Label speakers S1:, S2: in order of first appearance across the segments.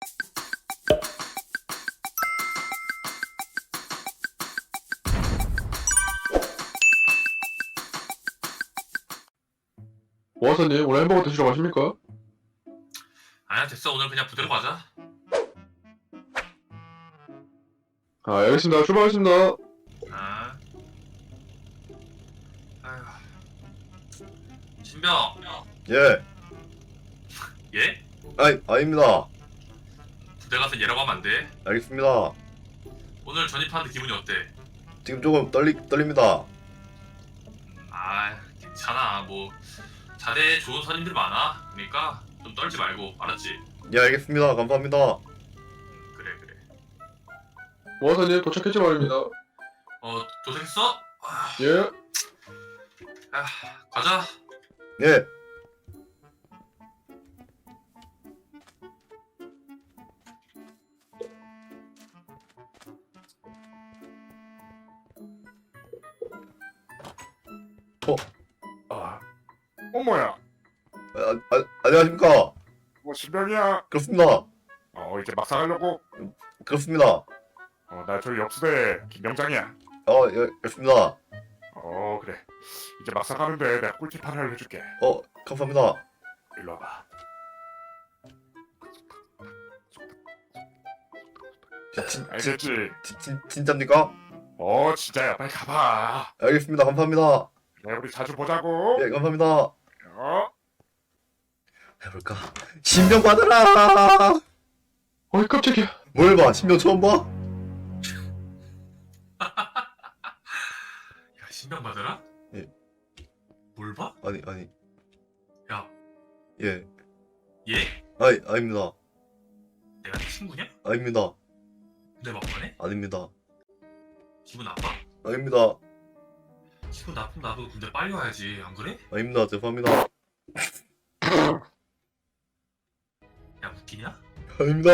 S1: 오하사님, 오늘 햄버거 드시러 가십니까?
S2: 아니야 됐어 오늘 그냥 부대로 가자.
S1: 아, 알겠습니다. 출발하겠습니다.
S2: 아. 아휴. 신병.
S3: 예.
S2: 예?
S3: 아닙니다.
S2: 부대 가서 얘라고 하면 안 돼.
S3: 알겠습니다.
S2: 오늘 전입하는데 기분이 어때?
S3: 지금 조금 떨립니다.
S2: 아 괜찮아 뭐 자대에 좋은 선임들 많아. 그러니까 좀 떨지 말고 알았지?
S3: 예, 알겠습니다. 감사합니다.
S2: 그래 그래.
S1: 오하사님, 도착했지 말입니다.
S2: 도착했어?
S1: 예.
S2: 아, 가자.
S3: 예.
S4: 어머야,
S3: 안녕하십니까?
S4: 신병이야.
S3: 그렇습니다.
S4: 이제 막 사가려고.
S3: 그렇습니다.
S4: 나 저기 옆수대 김병장이야.
S3: 예, 그렇습니다.
S4: 그래. 이제 막 사가는데 내가 꿀팁 하나 알려줄게.
S3: 감사합니다.
S4: 일로 와봐. 알겠지?
S3: 진짜입니까?
S4: 진짜야. 빨리 가봐.
S3: 알겠습니다. 감사합니다.
S4: 그래, 우리 자주 보자고.
S3: 예, 감사합니다.
S4: 어?
S3: 해볼까? 신병 받으라!
S1: 어이, 깜짝이야.
S3: 뭘 봐? 신병 처음 봐?
S2: 야 신병 받으라?
S3: 예.
S2: 뭘 봐?
S3: 아니.
S2: 야
S3: 예.
S2: 얘?
S3: 아닙니다.
S2: 내가 네 친구냐?
S3: 아닙니다.
S2: 내 막판에?
S3: 아닙니다.
S2: 기분 나빠?
S3: 아닙니다.
S2: 기분 나쁘면 나도 군대 빨리 와야지 안 그래?
S3: 아닙니다. 죄송합니다.
S2: 야 웃기냐?
S3: 아닙니다.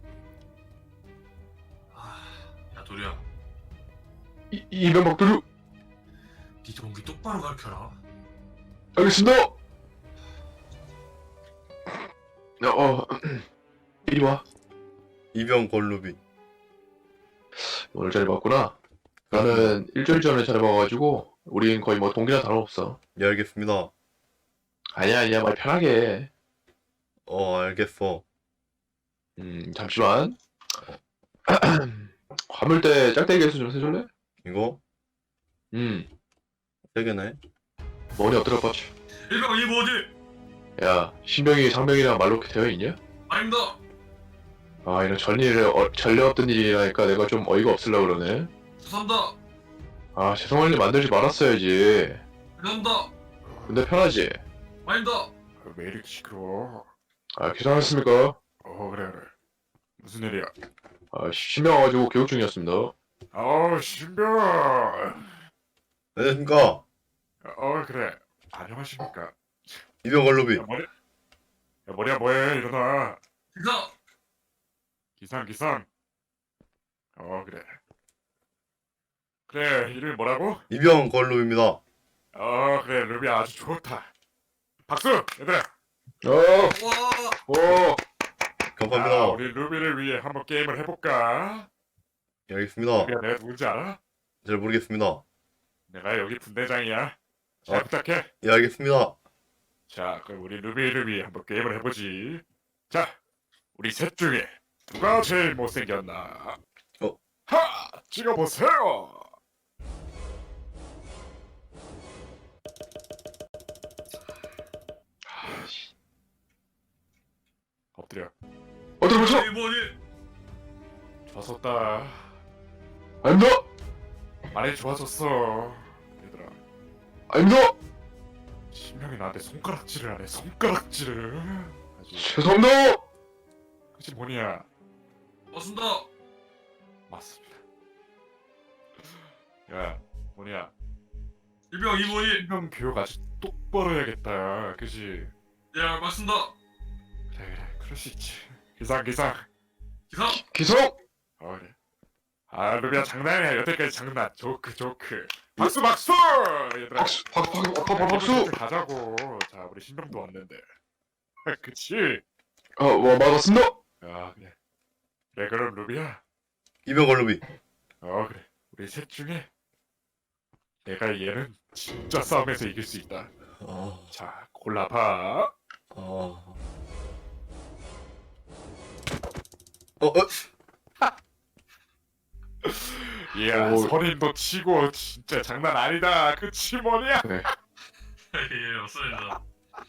S2: 야 도리야
S1: 이명박도류.
S2: 니 동기 똑바로 가르쳐라.
S1: 알겠습니다. 야, 이리 와.
S3: 이병 걸루비.
S1: 오늘 잘 봤구나. 나는 일주일 전에 잘 봐가지고 우린 거의 뭐 동기나 다름없어.
S3: 예, 알겠습니다.
S1: 아니야, 말 편하게 해.
S3: 알겠어.
S1: 잠시만. 화물대 짝대기 개수 좀 세줄래?
S3: 이거? 세 개네.
S1: 머리 엎드려 뻗쳐.
S2: 일병 이 뭐지?
S1: 야, 신병이 상병이랑 말로 되어 있냐?
S2: 아닙니다.
S1: 아, 이런 전례 없던 일이라니까 내가 좀 어이가 없으려고 그러네.
S2: 죄송합니다.
S1: 아, 죄송할 일 만들지 말았어야지.
S2: 죄송합니다.
S1: 근데 편하지?
S2: 아닙니다.
S4: 왜 이렇게 시끄러워?
S1: 괜찮았습니까?
S4: 그래. 무슨 일이야?
S1: 신병 와가지고 교육 중이었습니다.
S4: 신병.
S3: 안녕하십니까?
S4: 그래. 안녕하십니까?
S3: 이병 걸루비.
S4: 머리야 뭐해? 일어나.
S2: 기사.
S4: 기상. 그래, 이름이 뭐라고?
S3: 이병 걸루비입니다.
S4: 그래, 루비야 아주 좋다. 박수, 얘들아.
S2: 와.
S3: 감사합니다.
S4: 우리 루비를 위해 한번 게임을 해볼까?
S3: 예, 알겠습니다.
S4: 루비야, 내가 누군지 알아?
S3: 잘 모르겠습니다.
S4: 내가 여기 분대장이야. 잘 부탁해.
S3: 예, 알겠습니다.
S4: 자, 그럼 우리 루비를 위해 한번 게임을 해보지. 자, 우리 셋 중에 누가 제일 못생겼나? 찍어보세요. 엎드려.
S1: 엎드려 뻗쳐!
S2: 이 뭐지?
S4: 좋았었다.
S1: 아닙니다!
S4: 많이 좋아졌어. 얘들아,
S1: 아닙니다!
S4: 신명이 나한테 손가락질을 하네. 손가락질을. 아주.
S1: 죄송합니다!
S4: 그치 뭐냐?
S2: 맞습니다.
S4: 맞습니다. 야, 뭐냐?
S2: 일병 이 뭐지?
S4: 신명 교육 아주 똑바로 해야겠다. 그치?
S2: 야 맞습니다.
S4: 그래, 그럴 수 있지. 기상.
S2: 기사.
S1: 기성!
S4: 그래. 루비야 장난이야. 여태까지 장난. 조크. 박수. 얘들아.
S1: 박수!
S4: 가자고. 자, 우리 신병도 왔는데. 그치?
S1: 맞았습니다!
S4: 야, 그래. 그래 그럼 루비야.
S3: 이병헌 루비.
S4: 그래. 우리 셋 중에 내가 얘는 진짜 싸움에서 이길 수 있다.
S3: 아,
S4: 자, 골라봐.
S3: 아.
S4: 이야,
S1: 오.
S4: 선임도 치고 진짜 장난 아니다. 그치 뭐냐?
S1: 네.
S2: 예, 없습니다.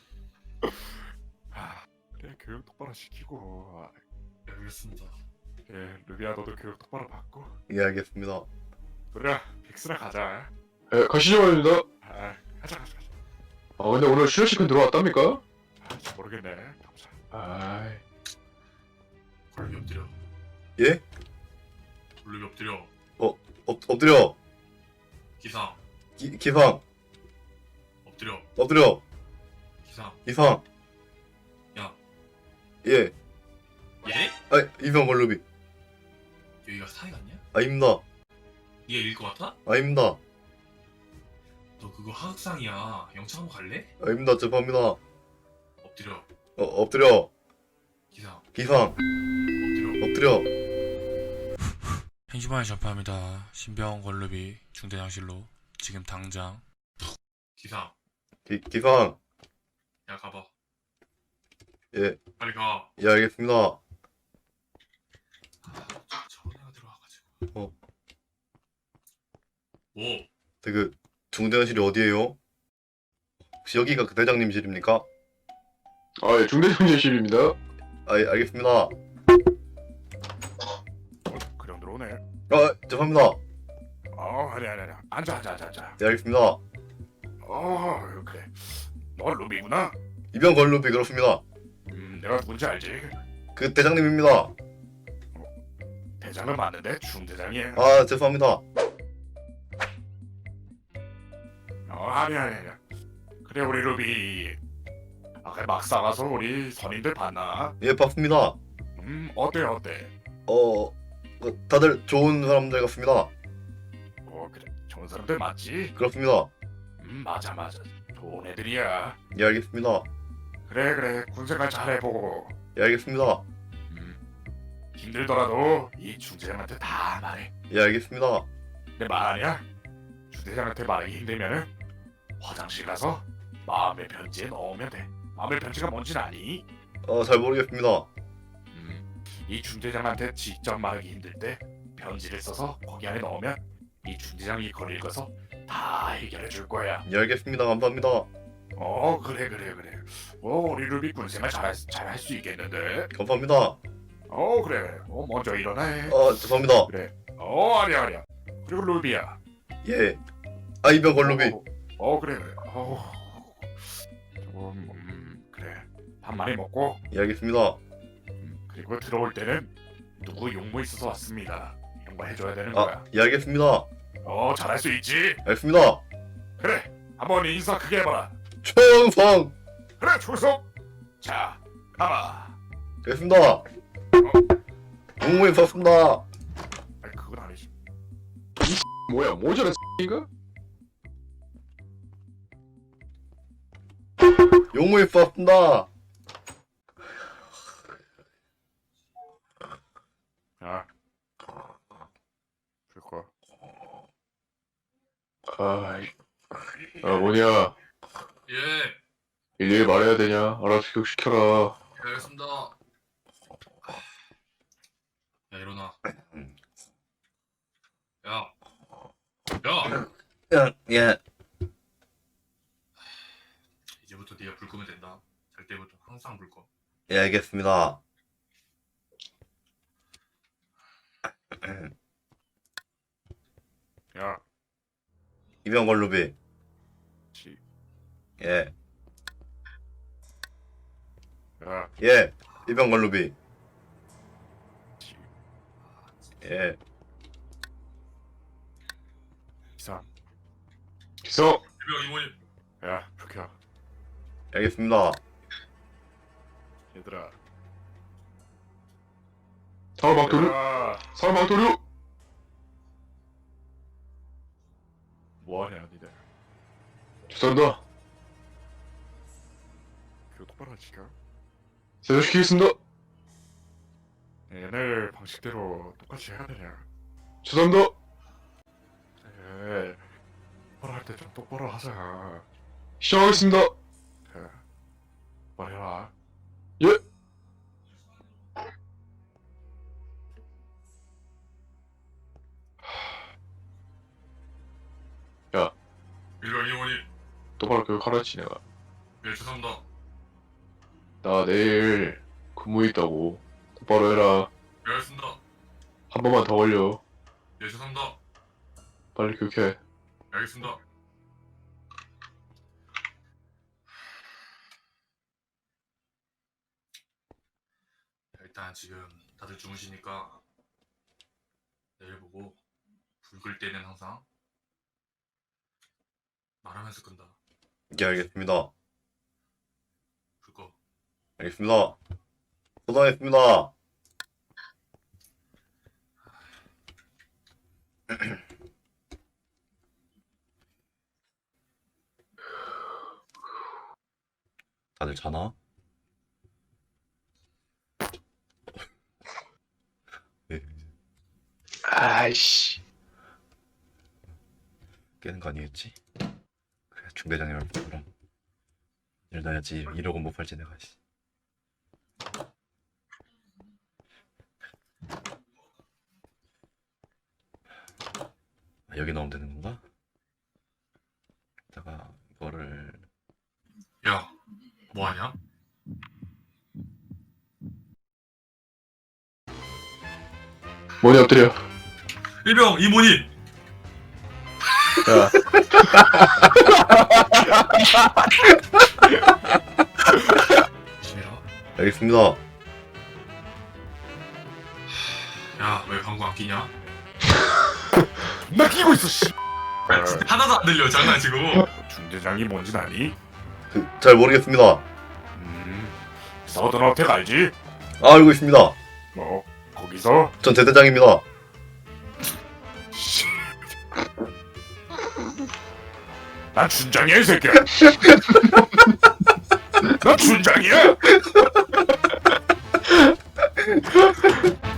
S4: 그래 교육 똑바로 시키고.
S2: 예, 알겠습니다.
S4: 그래 루비야 너도 교육 똑바로 받고.
S3: 예, 알겠습니다.
S4: 그래 빅스나 가자.
S1: 가시죠 말입니다.
S4: 가자.
S1: 근데 오늘 실내시간 들어왔답니까?
S4: 잘 모르겠네. 가보자.
S1: 아이,
S2: 골룸이 엎드려.
S3: 예?
S2: 골룸이 엎드려.
S3: 엎드려.
S2: 기상.
S3: 기상.
S2: 엎드려.
S3: 엎드려.
S2: 기상.
S3: 기상.
S2: 야.
S3: 예.
S2: 예?
S3: 이병헌 루비.
S2: 여기가 사이 같냐?
S3: 아닙니다.
S2: 네가 이길 것 같아?
S3: 아닙니다.
S2: 너 그거 하극상이야. 영창 한번 갈래?
S3: 아닙니다. 죄송합니다.
S2: 엎드려.
S3: 엎드려.
S2: 기상.
S3: 기상.
S2: 엎드려.
S3: 엎드려.
S5: 행시반에 전파합니다. 신병 걸루비 중대장실로 지금 당장.
S2: 기상.
S3: 기상.
S2: 야 가봐.
S3: 예.
S2: 빨리 가.
S3: 예, 알겠습니다.
S2: 저런 애가 들어와가지고. 뭐?
S3: 그 중대장실이 어디예요? 혹시 여기가 그 대장님실입니까?
S1: 예, 중대장실입니다.
S3: 예, 알겠습니다.
S4: 그냥 들어오네.
S3: 죄송합니다.
S4: 아니. 앉아.
S3: 예, 알겠습니다.
S4: 그래. 너 루비구나.
S3: 이병헌 루비 그렇습니다.
S4: 내가 누군지 알지?
S3: 그 대장님입니다.
S4: 대장은 맞는데 중대장이야.
S3: 죄송합니다.
S4: 아니. 그래 우리 루비. 아까 막 싸가서 우리 선임들 봤나?
S3: 예, 봤습니다.
S4: 어때?
S3: 다들 좋은 사람들 같습니다.
S4: 그래 좋은 사람들 맞지?
S3: 그렇습니다.
S4: 맞아. 좋은 애들이야.
S3: 예, 알겠습니다.
S4: 그래 군생활 잘해보고.
S3: 예, 알겠습니다.
S4: 힘들더라도 이 중대장한테 다 말해.
S3: 예, 알겠습니다.
S4: 내 말 아니야? 중대장한테 말하기 힘들면은 화장실 가서 마음의 편지에 넣으면 돼. 마음의 편지가 뭔지 아니?
S3: 잘 모르겠습니다.
S4: 이 중대장한테 직접 말하기 힘들 때 편지를 써서 거기 안에 넣으면 이 중대장이 이걸 읽어서 다 해결해 줄 거야.
S3: 예, 알겠습니다. 감사합니다.
S4: 그래. 우리 루비 군생활 잘할 수 있겠는데?
S3: 감사합니다.
S4: 그래. 먼저 일어나 해.
S3: 죄송합니다.
S4: 그래. 아니야. 그리고 루비야.
S3: 예. 이병헌 루비.
S4: 그래. 그래. 밥 많이 먹고.
S3: 예, 알겠습니다.
S4: 그리고 들어올 때는 누구 용무 있어서 왔습니다. 이런 거 해줘야 되는 거야.
S3: 예, 알겠습니다.
S4: 잘할 수 있지?
S3: 알겠습니다.
S4: 그래. 한번 인사 크게 해봐라.
S3: 충성.
S4: 그래 충성. 자 가봐.
S3: 알겠습니다. 공무원 썼습니다.
S4: 아니 그건 아니지.
S1: 뭐야, 모자란 인가?
S3: 용무원 썼습니다.
S4: 야. 줄 거야.
S1: 뭐냐.
S2: 예.
S1: 일일이 말해야 되냐? 알아서 교육시켜라.
S2: 예, 알겠습니다. 야 일어나. 야.
S3: 예.
S2: 이제부터 네가 불 끄면 된다. 잘 때부터 항상 불 꺼.
S3: 예, 알겠습니다.
S4: 야.
S3: 이병헌 루비.
S4: 지.
S3: 예.
S4: 야.
S3: 예. 이병헌 루비.
S4: 지.
S3: 예.
S4: 이상.
S1: 기성!
S2: 유명 이모님.
S4: 야 그렇게 야.
S3: 알겠습니다.
S4: 얘들아.
S1: 사울방토류!
S4: 얘들아.
S1: 사울방토류!
S4: 뭐하냐 니들.
S1: 죄송합니다.
S4: 교육 똑바로 지켜.
S1: 세조시키겠습니다.
S4: 옛날 방식대로 똑같이 해야 되냐?
S1: 죄송합니다.
S4: 에 똑바로 할 때 좀 똑바로 하자.
S1: 시작하겠습니다.
S4: 말해라.
S1: 예. 야,
S2: 일병 이모님.
S1: 똑바로 교육하라지 내가.
S2: 예, 죄송합니다.
S1: 나 내일 근무 있다고. 똑바로 해라.
S2: 예, 알겠습니다.
S1: 한 번만 더 걸려.
S2: 예, 죄송합니다.
S1: 빨리 교육해.
S2: 예, 알겠습니다. 일단 지금 다들 주무시니까 내일 보고 불 끌 때는 항상 말하면서 끈다.
S3: 예, 알겠습니다.
S2: 불 꺼.
S3: 알겠습니다. 소장했습니다. 다들 자나? 네,
S1: 아이씨.
S3: 깨는 거 아니겠지? 그래, 중대장님 할 그럼 일어나야지. 이러고 못 팔지 내가. 씨. 아, 여기 넣으면 되는 건가? 이따가 이거를
S2: 야, 뭐 하냐?
S1: 뭐니 엎드려.
S2: 일병 이모님.
S1: 야,
S2: 조심해라.
S3: 알겠습니다.
S2: 야, 왜 방구 안 끼냐?
S4: 나 끼고 있어 씨.
S2: 야, 진짜 하나도 안 들려. 장난치고.
S4: 중대장이 뭔진 아니?
S3: 잘 모르겠습니다.
S4: 서든어택 알지?
S3: 아, 알고 있습니다.
S4: 뭐 거기서
S3: 전 대대장입니다.
S4: 난 준장이야 이 새끼야. 나 준장이야.